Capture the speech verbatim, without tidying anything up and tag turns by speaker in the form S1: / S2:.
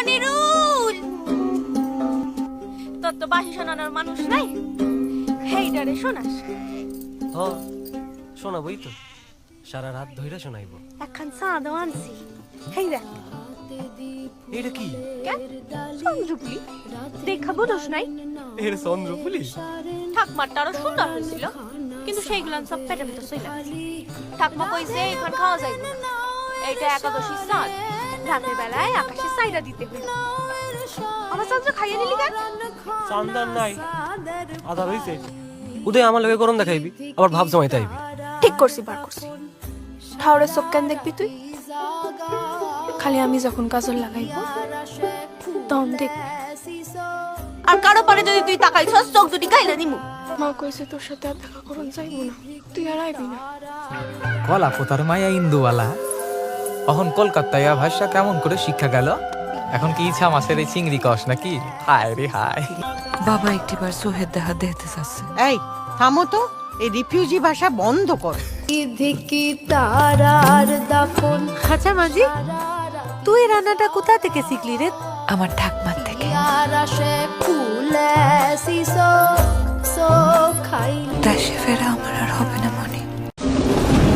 S1: মনিরুল তোর তো বাসি শোনানোর মানুষ নাই, হেইডারে শোনাস।
S2: হ শোনাবই তো, সারা রাত ধইরা শোনাইব।
S1: একখান চাঁদও আনছি, হেই দেখ।
S2: এটা কি?
S1: চন্দ্রপুলি দেখা বুঝোস নাই?
S2: এর চন্দ্রপুলি
S1: ঠাকমারটা আরো সুন্দর হয়েছিল, কিন্তু সেইগুলান সব পেটের ভিতর চলে গেছে। ঠাকমা কইছে এখন খাওয়া যাইব না, এইটা একাদশী চাঁদ, রাতের বেলায় আকাশে সাইরা দিতে হইল। আমার চন্দ্র খাইয়ে নিলি কেন?
S2: চান্দার নাই, আধা হইছে। উদয় আমার লগে গরম দেখাইবি, আবার ভাব জমাইতে আইবি।
S1: ঠিক করছি, বার করছি। ঠাউরে চোখ কেন দেখবি তুই? খালি আমি যখন কাজল লাগাইব তখন দেখবি। আর কারো পরে যদি তুই তাকাইছস চোখ দুটি গাইলে নিমু। মা কইছে তোর সাথে আর দেখা করুন যাইব না, তুই আর আইবি না।
S3: কলা পোতার মায়া ইন্দুওয়ালা অহন কলকাতায় ভাষা কেমন করে শিক্ষা গেল? এখন কি ইচ্ছা মাছের এই চিংড়ি কস নাকি? হায় রে হায়।
S4: বাবা একটিবার সোহেদ দেখা দেখতে চাচ্ছে।
S5: এই থামো তো, এই রিফিউজি ভাষা বন্ধ কর।
S4: আচ্ছা মাঝি, তুই রান্নাটা কোথা থেকে শিখলি রে? আমার ঠাকমার থেকে। দেশে ফেরা আমার